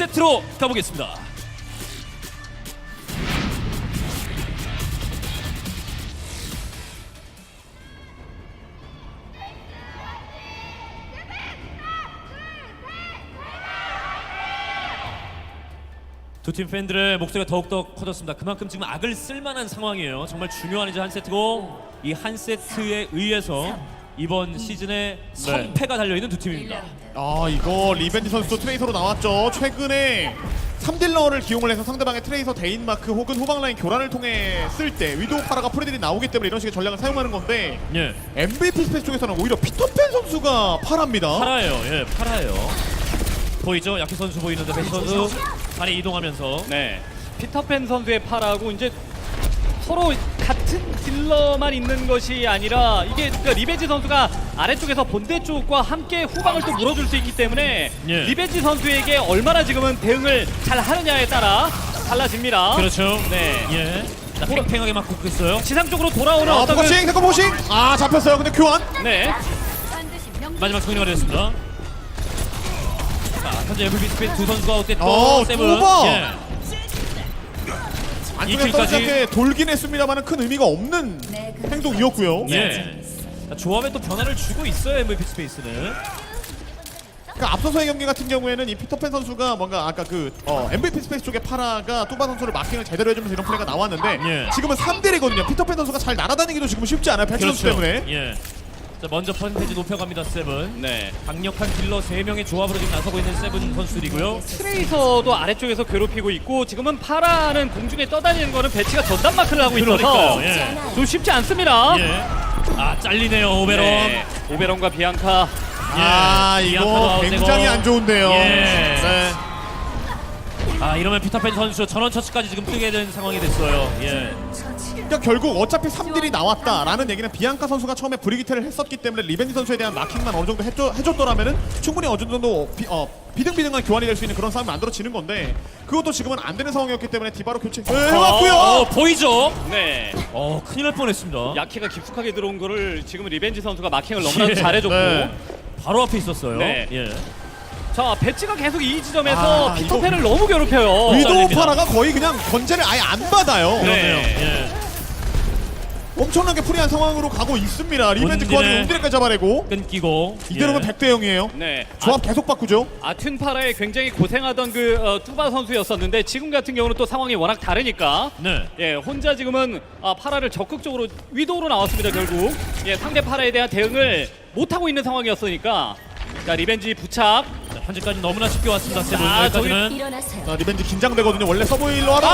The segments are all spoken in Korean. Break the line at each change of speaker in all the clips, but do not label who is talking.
세트로 가보겠습니다. 두 팀 팬들의 목소리가 더욱더 커졌습니다. 그만큼 지금 악을 쓸만한 상황이에요. 정말 중요한 이제 한 세트고, 이 한 세트에 의해서 이번 시즌에 선패가 달려있는 두 팀입니다.
아, 이거 리벤지 선수도 트레이서로 나왔죠. 최근에 3딜러를 기용을 해서 상대방의 트레이서 데인마크 혹은 후방라인 교란을 통해 쓸 때 위도우 파라가 프레딜이 나오기 때문에 이런 식의 전략을 사용하는 건데,
예,
MVP 스페이스 쪽에서는 오히려 피터팬 선수가 파라입니다.
파라예요. 예, 파라예요. 보이죠? 야키 선수 보이는데 베시 선수 다리 이동하면서.
네, 피터팬 선수의 파라고 이제 서로 같은 딜러만 있는 것이 아니라 이게 그러니까 리벤지 선수가 아래쪽에서 본대 쪽과 함께 후방을 또 물어줄 수 있기 때문에
예.
리벤지 선수에게 얼마나 지금은 대응을 잘 하느냐에 따라 달라집니다.
그렇죠.
네.
예. 자, 팽팽하게 막 굽고 있어요.
지상 쪽으로 돌아오는
아,
어떤
포커싱, 세컨 포싱. 아, 잡혔어요. 근데 교환.
네.
마지막 승리가 되었습니다. 자, 현재 MVP 스페이스 두 선수가 어땠고 세븐.
뚜바.
예.
안쪽에
킬까지.
떨어지게 돌긴 했습니다만 큰 의미가 없는 행동이었고요.
예. 자, 조합에 또 변화를 주고 있어요, MVP 스페이스는.
그러니까 앞서서의 경기 같은 경우에는 이 피터팬 선수가 뭔가 아까 그 MVP 스페이스 쪽에 파라가 뚜바 선수를 마킹을 제대로 해주면서 이런 플레이가 나왔는데,
예.
지금은 3대1이거든요. 피터팬 선수가 잘 날아다니기도 지금 쉽지 않아요. 패치 선수 때문에.
예. 자, 먼저 퍼센테이지 높여갑니다, 세븐.
네.
강력한 딜러 3명의 조합으로 지금 나서고 있는 세븐 선수들이고요.
트레이서도 아래쪽에서 괴롭히고 있고 지금은 파라는 공중에 떠다니는 거는 배치가 전담 마크를 하고 있어서
그러니까요. 예.
좀 쉽지 않습니다.
예. 아, 잘리네요, 오베론.
네. 오베론과 비앙카.
아,
예.
이거
이아카도
굉장히
아웃되고.
안 좋은데요.
예.
네.
아, 이러면 피터팬 선수 전원 처치까지 지금 뜨게 된 상황이 됐어요. 예.
그러니까 결국 어차피 3딜이 나왔다라는 얘기는 비앙카 선수가 처음에 브리기테를 했었기 때문에 리벤지 선수에 대한 마킹만 어느 정도 해줬더라면은 충분히 어느 정도 비등비등한 교환이 될 수 있는 그런 상황이 만들어지는 건데, 그것도 지금은 안 되는 상황이었기 때문에 디바로 교체 해왔고요.
보이죠?
네.
큰일 날 뻔했습니다.
야키가 깊숙하게 들어온 거를 지금 리벤지 선수가 마킹을 너무나도
예.
잘해줬고.
네.
바로 앞에 있었어요.
네.
예.
자, 배치가 계속 이 지점에서
아,
피터팬을 너무 괴롭혀요.
위도우
잘립니다.
파라가 거의 그냥 건재를 아예 안 받아요.
네.
그러네요. 예.
엄청나게 프리한 상황으로 가고 있습니다. 리벤지 그 와중에 온디레까지 잡아내고,
끊기고.
이대로면
예.
100대 0이에요.
네.
조합 계속 바꾸죠.
아튠 파라에 굉장히 고생하던 그 뚜바 선수였었는데 지금 같은 경우는 또 상황이 워낙 다르니까
네.
예, 혼자 지금은 파라를 적극적으로 위도우로 나왔습니다. 결국 예, 상대 파라에 대한 대응을 못하고 있는 상황이었으니까. 자, 리벤지 부착.
자, 현재까지 너무나 쉽게 왔습니다. 세븐.
아,
여기까지는.
일어나세요.
자, 리벤지 긴장되거든요. 원래 서브힐러 하다가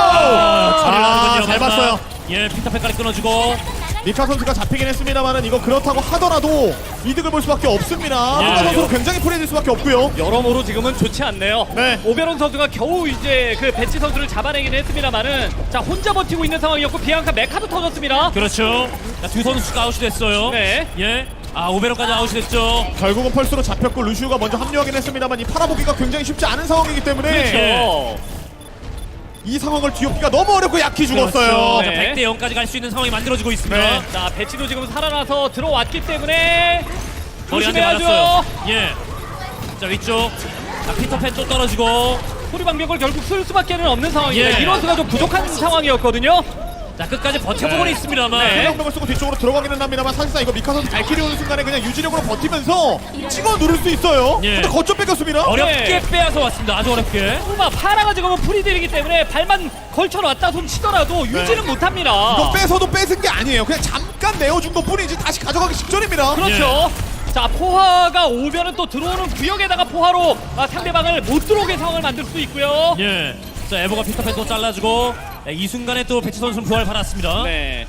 처리하는군요.
잘 봤어요.
예, 피터팬까지 끊어주고.
니카 선수가 잡히긴 했습니다만은 이거 그렇다고 하더라도 이득을 볼 수밖에 없습니다.
예.
누가 선수로 굉장히 프리해질 수밖에 없고요.
여러모로 지금은 좋지 않네요.
네.
오베론 선수가 겨우 이제 그 배치 선수를 잡아내긴 했습니다만은 자, 혼자 버티고 있는 상황이었고 비앙카 메카도 터졌습니다.
그렇죠. 자, 두 선수가 아웃이 됐어요.
네.
예. 아, 오베론까지 아웃이 됐죠.
결국은 펄스로 잡혔고 루시우가 먼저 합류하긴 했습니다만 이 팔아보기가 굉장히 쉽지 않은 상황이기 때문에
그렇죠.
이 상황을 뒤엎기가 너무 어렵고 약히 죽었어요.
그렇죠.
네.
자, 100대 0까지 갈 수 있는 상황이 만들어지고 있습니다.
네.
자, 배치도 지금 살아나서 들어왔기 때문에
머리 한 대
조심해야죠.
맞았어요. 예. 자, 위쪽. 자, 피터팬 또 떨어지고.
소리 방벽을 결국 쓸 수밖에 없는 상황입니다.
예.
이로수가 좀 부족한 상황이었거든요.
자, 끝까지 버텨보고는
네.
있습니다만.
네.
생명력을 쓰고 뒤쪽으로 들어가기는 합니다만 사실상 이거 미카 선수 발키리 오는 순간에 그냥 유지력으로 버티면서 찍어 누를 수 있어요.
예.
근데 거점 뺏겼습니다.
어렵게
네.
빼앗아 왔습니다. 아주 어렵게.
파라가 지금은 프리딜이기 때문에 발만 걸쳐놨다 손 치더라도 유지는 못합니다.
이거 뺏어도 뺏은 게 아니에요. 그냥 잠깐 내어준 것 뿐이지 다시 가져가기 직전입니다.
그렇죠. 자, 포화가 오면은 또 들어오는 구역에다가 포화로 상대방을 못 들어오게 상황을 만들 수 있고요.
예. 자, 에보가 피터팬 또 잘라주고. 네, 이 순간에 또 배치 선수는 부활 받았습니다.
네.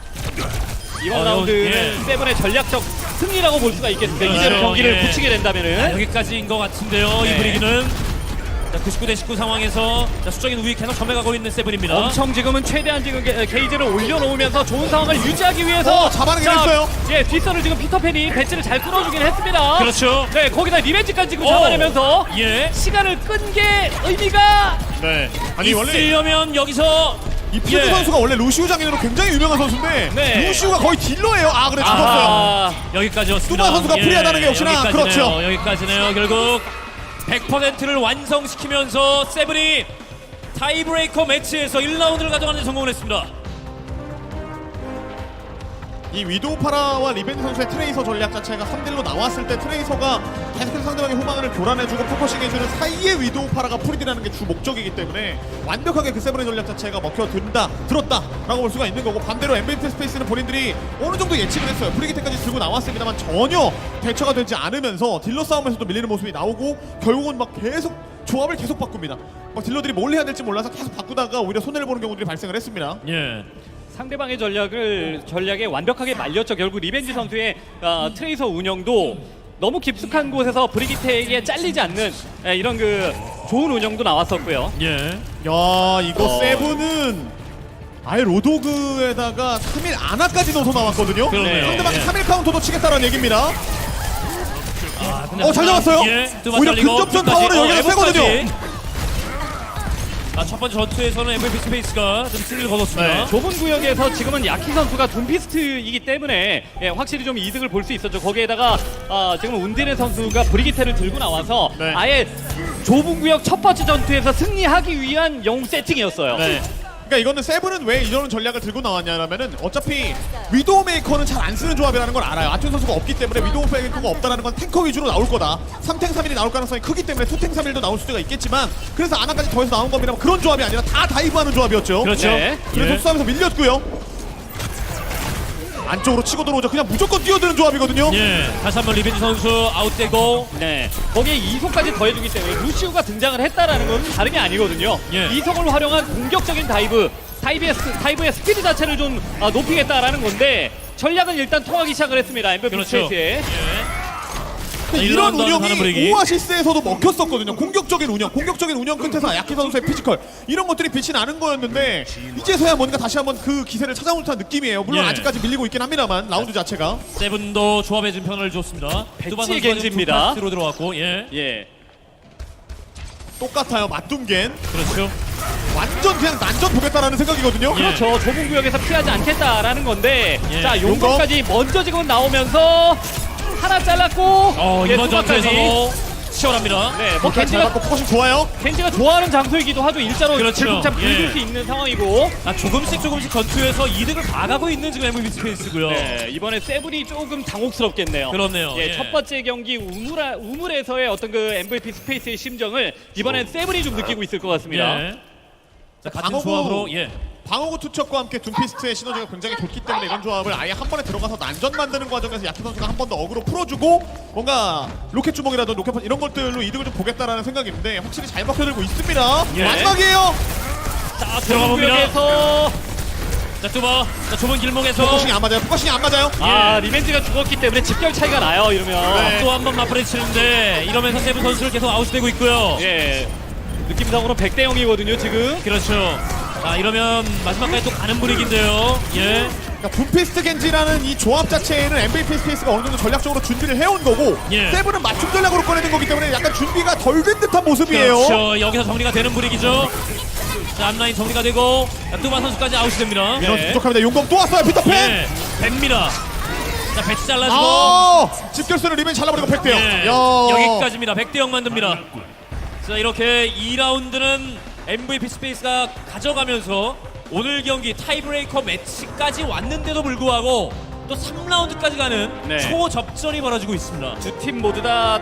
이번 라운드는
예.
세븐의 전략적 승리라고 볼 수가 있겠습니다.
그렇죠.
이대로 경기를
예.
붙이게 된다면은.
아, 여기까지인 것 같은데요.
네.
이 분위기는. 자, 99대 19 상황에서 자, 수적인 우위 계속 점해가고 있는 세븐입니다.
엄청 지금은 최대한 지금 게이지를 올려놓으면서 좋은 상황을 유지하기 위해서
잡아내긴 했어요.
예, 뒷선을 지금 피터팬이 배치를 잘 끌어주긴 했습니다.
그렇죠.
네, 거기다 리벤지까지 지금 잡아내면서
예.
시간을 끈 게 의미가
네. 아니 원래
있으려면 여기서
이 푸드
예.
선수가 원래 루시우 장인으로 굉장히 유명한 선수인데
네.
루시우가 거의 딜러예요. 아 그래 죽었어요.
아,
여기까지였습니다.
뚜바 선수가 프리하다는 게 역시나
여기까지네요.
그렇죠.
여기까지네요. 결국 100%를 완성시키면서 세븐이 타이브레이커 매치에서 1라운드를 가져가는 데 성공을 했습니다.
이 위도우 파라와 리벤지 선수의 트레이서 전략 자체가 3대1로 나왔을 때 트레이서가 계속해서 상대방의 후방을 교란해주고 포커싱해주는 사이에 위도우 파라가 프리디라는 게 주 목적이기 때문에 완벽하게 그 세븐의 전략 자체가 들었다라고 볼 수가 있는 거고, 반대로 MVP 스페이스는 본인들이 어느 정도 예측을 했어요. 프리기테까지 들고 나왔습니다만 전혀 대처가 되지 않으면서 딜러 싸움에서도 밀리는 모습이 나오고 결국은 막 계속 조합을 계속 바꿉니다. 막 딜러들이 뭘 해야 될지 몰라서 계속 바꾸다가 오히려 손해를 보는 경우들이 발생을 했습니다.
예.
상대방의 전략에 완벽하게 말렸죠. 결국 리벤지 선수의 트레이서 운영도 너무 깊숙한 곳에서 브리기테에게 잘리지 않는 이런 그 좋은 운영도 나왔었고요.
예.
야, 이거 세븐은 아예 로도그에다가 3일 아나까지 넣어서 나왔거든요.
그러네요.
상대방이
예.
3일 카운터도 치겠다라는 얘기입니다.
아, 근데
잘 잡았어요.
예.
오히려 근접전 파워는 여기가 세거든요.
첫 번째 전투에서는 MVP 스페이스가 좀 승리를 거뒀습니다.
네, 좁은 구역에서 지금은 야키 선수가 둠피스트이기 때문에 확실히 좀 이득을 볼 수 있었죠. 거기에다가 지금 운디네 선수가 브리기테를 들고 나와서
네.
아예 좁은 구역 첫 번째 전투에서 승리하기 위한 영웅 세팅이었어요.
네.
그러니까 이거는 세븐은 왜 이런 전략을 들고 나왔냐면은 어차피 위도우 메이커는 잘 안 쓰는 조합이라는 걸 알아요. 아튠 선수가 없기 때문에 위도우 메이커가 없다라는 건 탱커 위주로 나올 거다. 3탱 3일이 나올 가능성이 크기 때문에 2탱 3일도 나올 수도 있겠지만, 그래서 아나까지 더해서 나온 겁니다. 그런 조합이 아니라 다 다이브하는 조합이었죠.
그렇죠.
네.
그래서
예.
싸움에서 밀렸고요. 안쪽으로 치고 들어오죠. 그냥 무조건 뛰어드는 조합이거든요.
예. 다시 한번 리벤지 선수 아웃되고.
네, 거기에 이속까지 더해주기 때문에 루시우가 등장을 했다라는 건 다른 게 아니거든요.
예.
이속을 활용한 공격적인 다이브의 스피드 자체를 좀 높이겠다라는 건데 전략은 일단 통하기 시작을 했습니다. MVP
그렇죠.
스페이스에.
근데
자,
이런
1라운드 하는
운영이
분위기.
오아시스에서도 먹혔었거든요. 공격적인 운영 끝에서 야키 선수의 피지컬 이런 것들이 빛이 나는 거였는데 이제서야 뭔가 다시 한번 그 기세를 찾아온 듯한 느낌이에요. 물론
예.
아직까지 밀리고 있긴 합니다만 라운드 자체가.
세븐도 조합에 좀 편을 줬습니다.
배치
두바 선수가
겐지입니다.
뒤로 들어왔고. 예.
예.
똑같아요. 맞둠겐
그렇죠.
완전 그냥 난전 보겠다라는 생각이거든요.
예.
그렇죠. 좁은 구역에서 피하지 않겠다라는 건데
예.
자 용검까지 먼저 지금 나오면서 하나 잘랐고 예,
이번
투마까지.
전투에서도 치열합니다.
네, 뭐
잘 받고 포커싱 좋아요.
겐지가 좋아하는 장소이기도 하죠. 일자로
그렇죠.
들국참 긁을
예.
수 있는 상황이고
조금씩 전투에서 이득을 봐가고 있는 지금 MVP 스페이스고요.
네, 이번에 세븐이 조금 당혹스럽겠네요.
그렇네요.
예,
예.
첫 번째 경기 우물에서의 어떤 그 MVP 스페이스의 심정을 이번엔 세븐이 좀 느끼고 있을 것 같습니다.
예. 자, 같은
방어구.
조합으로 예.
방어구 투척과 함께 둠피스트의 시너지가 굉장히 좋기 때문에 이런 조합을 아예 한 번에 들어가서 난전 만드는 과정에서 야키 선수가 한 번 더 어그로 풀어주고 뭔가 로켓 주먹이라든지 로켓 펀치 이런 것들로 이득을 좀 보겠다라는 생각인데 확실히 잘 먹혀들고 있습니다.
예.
마지막이에요.
자,
들어가 봅니다.
구역에서
자, 뚜바. 자, 좁은 길목에서
포커싱이 안 맞아요. 포커싱이 안 맞아요.
리벤지가 죽었기 때문에 집결 차이가 나요. 이러면
네.
또 한 번 맞부딪 치는데 이러면서 세븐 선수를 계속 아웃되고 있고요.
예, 느낌상으로 100대 0이거든요 지금.
그렇죠. 자, 이러면 마지막까지 또 가는 분위기인데요. 예.
그러니까 둠피스트 겐지라는 이 조합 자체에는 MVP 스페이스가 어느 정도 전략적으로 준비를 해온 거고
예.
세븐은 맞춤 전략으로 꺼내는 거기 때문에 약간 준비가 덜 된 듯한 모습이에요.
그렇죠. 여기서 정리가 되는 분위기죠. 자, 앞라인 정리가 되고 자, 뚜바 선수까지 아웃이 됩니다.
이런
예.
부족합니다. 용검 또 왔어요. 피터팬.
예. 됩니다. 자, 배치 잘라주고
집결수는 리벤 잘라버리고 100대 0.
예.
야.
여기까지입니다. 100대 0 만듭니다. 자, 이렇게 2라운드는 MVP 스페이스가 가져가면서 오늘 경기 타이브레이커 매치까지 왔는데도 불구하고 또 3라운드까지 가는
네.
초접전이 벌어지고 있습니다.
두 팀 모두 다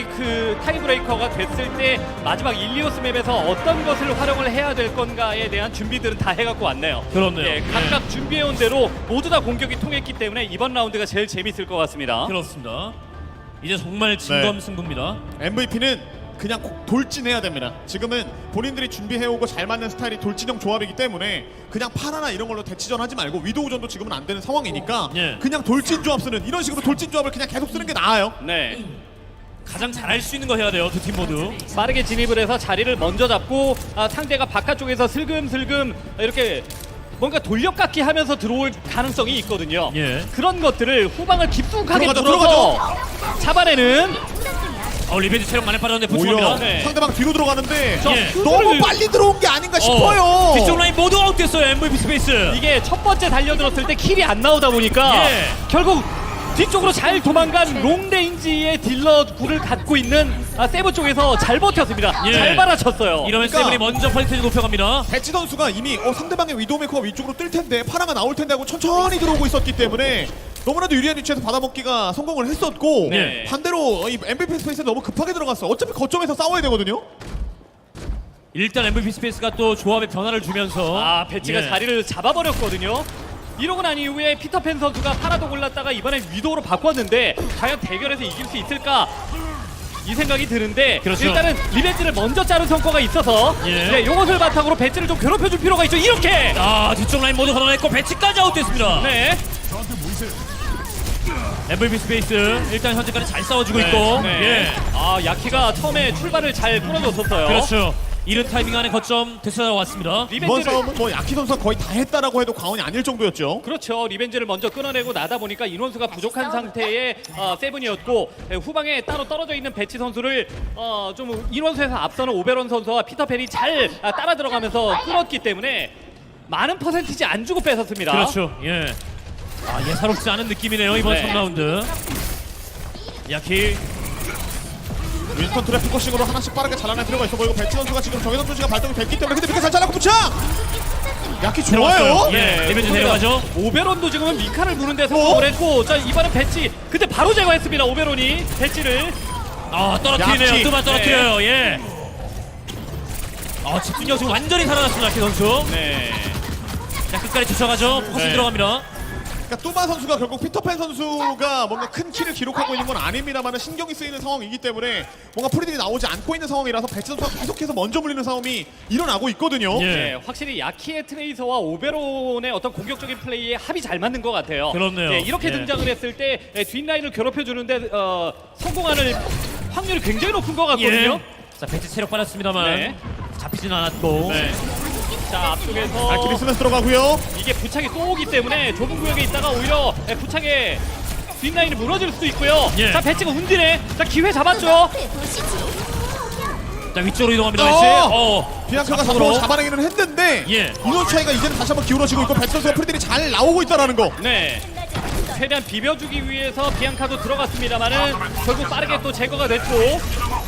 타이브레이커가 됐을 때 마지막 일리오스 맵에서 어떤 것을 활용을 해야 될 건가에 대한 준비들은 다 해갖고 왔네요.
그렇네요.
예, 각각 준비해온 대로 모두 다 공격이 통했기 때문에 이번 라운드가 제일 재밌을 것 같습니다.
그렇습니다. 이제 정말 진검승부입니다.
MVP는 그냥 돌진해야 됩니다. 지금은 본인들이 준비해오고 잘 맞는 스타일이 돌진형 조합이기 때문에 그냥 파라나 이런 걸로 대치전 하지 말고 위도우전도 지금은 안 되는 상황이니까
예.
그냥 돌진 조합 쓰는 이런 식으로 돌진 조합을 그냥 계속 쓰는 게 나아요.
네,
가장 잘할 수 있는 거 해야 돼요. 두 팀 모두.
빠르게 진입을 해서 자리를 먼저 잡고 상대가 바깥쪽에서 슬금슬금 이렇게 뭔가 돌려깎기 하면서 들어올 가능성이 있거든요.
예.
그런 것들을 후방을 깊숙하게
들어가죠,
눌러서 잡아내는
리벤지 체력 많이 빠졌는데
오히려
부축합니다.
네.
상대방 뒤로 들어가는데
예.
너무 빨리 들어온 게 아닌가 싶어요.
뒤쪽 라인 모두 아웃됐어요. MVP 스페이스.
이게 첫 번째 달려들었을 때 킬이 안 나오다 보니까
예.
결국 뒤쪽으로 잘 도망간 롱레인지의 딜러 구를 갖고 있는 세븐 쪽에서 잘 버텼습니다.
예.
잘 받아쳤어요.
이러면
그러니까-
세븐이 먼저 퍼센테이지 높여갑니다.
배치 선수가 이미 상대방의 위도메이커가 위쪽으로 뜰 텐데 파라가 나올 텐데 하고 천천히 들어오고 있었기 때문에 너무나도 유리한 위치에서 받아먹기가 성공을 했었고
네.
반대로 이 MVP 스페이스에 너무 급하게 들어갔어. 어차피 거점에서 싸워야 되거든요.
일단 MVP 스페이스가 또 조합의 변화를 주면서
배치가
예.
자리를 잡아버렸거든요. 이러고 난 이후에 피터팬 선수가 파라도 골랐다가 이번엔 위도우로 바꿨는데 과연 대결에서 이길 수 있을까? 이 생각이 드는데
그렇죠.
일단은 리벤지를 먼저 자른 성과가 있어서
예.
네, 요것을 바탕으로 배치를 좀 괴롭혀줄 필요가 있죠. 이렇게!
뒤쪽 라인 모두 걷어냈고 배치까지 아웃됐습니다.
네.
MVP 스페이스 일단 현재까지 잘 싸워주고
네.
있고
네.
예.
야키가 처음에 출발을 잘 끊어줬었어요.
그렇죠. 이른 타이밍 안에 거점 되찾아왔습니다.
이번
리벤지를
싸움은 뭐 야키 선수가 거의 다 했다라고 해도 과언이 아닐 정도였죠.
그렇죠. 리벤지를 먼저 끊어내고 나다 보니까 인원수가 부족한 상태의 세븐이었고 후방에 따로 떨어져 있는 배치 선수를 좀 인원수에서 앞서는 오베론 선수와 피터팬이 잘 따라 들어가면서 끊었기 때문에 많은 퍼센티지 안 주고 뺏었습니다.
그렇죠. 예. 예사롭지 않은 느낌이네요 이번
네.
3라운드. 야키
윈스턴 트랩 포커싱으로 하나씩 빠르게 잘라낼 필요가 있어 보이고 배치 선수가 지금 정해선 투시가 발동이 됐기 때문에 근데 미카 잘 잘랐고 붙여! 야키 좋아요!
들어갔어요. 예. 리벤지 내려가죠.
오베론도 지금은 미카를 무는데 성공을 했고 자 이번엔 배치 근데 바로 제거했습니다. 오베론이 배치를
떨어뜨리네요.
야키.
뚜만 떨어뜨려요. 예. 집중력 지금 완전히 살아났습니다 야키 선수.
네.
자 끝까지 쫓아가죠. 포커싱
네.
들어갑니다.
그러니까 뚜바 선수가 결국 피터팬 선수가 뭔가 큰 키를 기록하고 있는 건 아닙니다만 신경이 쓰이는 상황이기 때문에 뭔가 프리들이 나오지 않고 있는 상황이라서 배치 선수가 계속해서 먼저 물리는 싸움이 일어나고 있거든요.
예.
네, 확실히 야키의 트레이서와 오베론의 어떤 공격적인 플레이에 합이 잘 맞는 것 같아요.
그렇네요.
네, 이렇게
예.
등장을 했을 때 뒷라인을 괴롭혀주는데 성공하는 확률이 굉장히 높은 것 같거든요.
자 배치 체력 받았습니다만
네.
잡히진 않았고.
네. 자 앞쪽에서
발키리 쓰면서 들어가고요.
이게 부착이 또 오기 때문에 좁은 구역에 있다가 오히려 부착에 뒷라인이 무너질 수도 있고요.
예.
자 배치가 운디네. 자 기회 잡았죠.
자 위쪽으로 이동합니다. 배치.
비앙카가
잡으러.
잡으로 잡아내기는 했는데
예.
인원 차이가 이제는 다시 한번 기울어지고 있고 배치 선수가 프리들이 잘 나오고 있다는 거.
네. 최대한 비벼주기 위해서 비앙카도 들어갔습니다만은 결국 빠르게 또 제거가 됐고.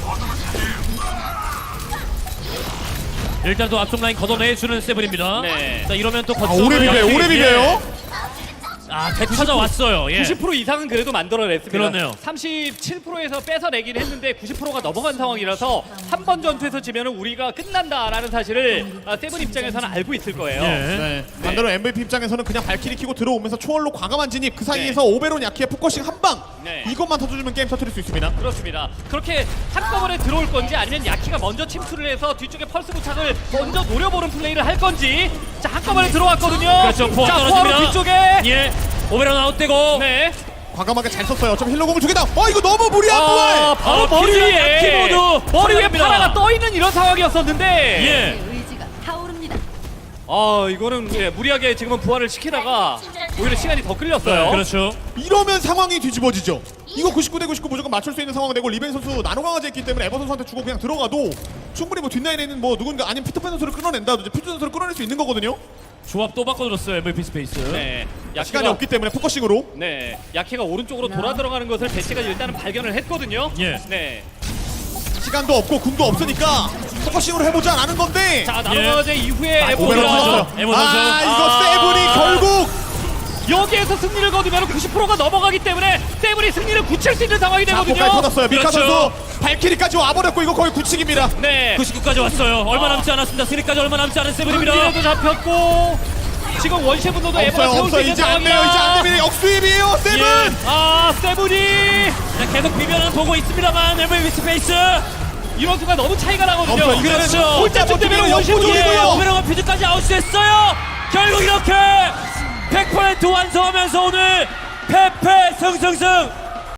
일단 또 앞쪽 라인 걷어내주는 세븐입니다.
네.
자 이러면 또
아,
거점을
오래 비벼요.
역시-
오래 비벼요.
배치 찾아왔어요. 예.
90% 이상은 그래도 만들어냈습니다.
그렇네요.
37%에서 뺏어내긴 했는데 90%가 넘어간 상황이라서 한 번 전투에서 지면은 우리가 끝난다라는 사실을 세븐 입장에서는 알고 있을 거예요.
예.
네. 반대로 MVP 입장에서는 그냥 발키리 키고 들어오면서 초월로 과감한 진입 그 사이에서 오베론 야키의 포커싱 한 방.
네.
이것만 터져주면 게임 터뜨릴 수 있습니다.
그렇습니다. 그렇게 한꺼번에 들어올 건지 아니면 야키가 먼저 침투를 해서 뒤쪽에 펄스 부착을 먼저 노려보는 플레이를 할 건지. 자 한꺼번에 들어왔거든요.
그렇죠. 포화
자
떨어집니다.
포화로 뒤쪽에.
예. 오베론 아웃되고.
네.
과감하게 잘 썼어요. 어차피 힐러공을 두 개다. 이거 너무 무리한 부활.
바로 머리
피자
위에
야키 모두
머리 위에
들어갑니다.
파라가 떠 있는 이런 상황이었었는데.
예.
의지가 타오릅니다.
이거는 무리하게 지금은 부활을 시키다가 오히려 시간이 더 끌렸어요.
그렇죠.
이러면 상황이 뒤집어지죠. 이거 99대 99 무조건 맞출 수 있는 상황이 되고 리벤 선수 나노 강화제했기 때문에 에버 선수한테 주고 그냥 들어가도 충분히 뭐 뒷라인에 있는 뭐 누군가 아니면 피터팬 선수를 끌어낸다든지 퓨즈 선수를 끌어낼 수 있는 거거든요.
조합 또 바꿔줬어요 MVP 스페이스.
네.
시간이 없기 때문에 포커싱으로.
네, 야키가 오른쪽으로 돌아 들어가는 것을 배치가 일단은 발견을 했거든요.
예.
네.
시간도 없고 궁도 없으니까 포커싱으로 해보자 라는 건데.
자, 나노가제 이후에
오베론
오베론
선수.
터졌어요.
에버 선수.
이거 세븐이 결국
여기에서 승리를 거두면 90%가 넘어가기 때문에 세븐이 승리를 굳힐 수 있는 상황이
자폭까지
되거든요.
터졌어요. 미카
그렇죠.
선수 발키리까지 와버렸고 이거 거의 굳히기입니다.
네.
99까지 왔어요. 얼마 남지 않았습니다. 승리까지 얼마 남지 않은 세븐입니다.
도 잡혔고 지금 원시 분노도 에버가
없어요
세울 수
없어요.
있는
이제 안 돼요. 이제 안 됩니다. 역수입이에요 세븐.
예.
세븐이
자, 계속 비변은 보고 있습니다만 MVP 스페이스.
이런 수가 너무 차이가 나거든요.
없어요. 이제는
그렇죠.
홀짝쯤 되면 원시
역부족이고요.
분노예요.
오베론과 퓨즈까지 아웃됐어요. 결국 이렇게 100% 완성하면서 오늘 패패 승승승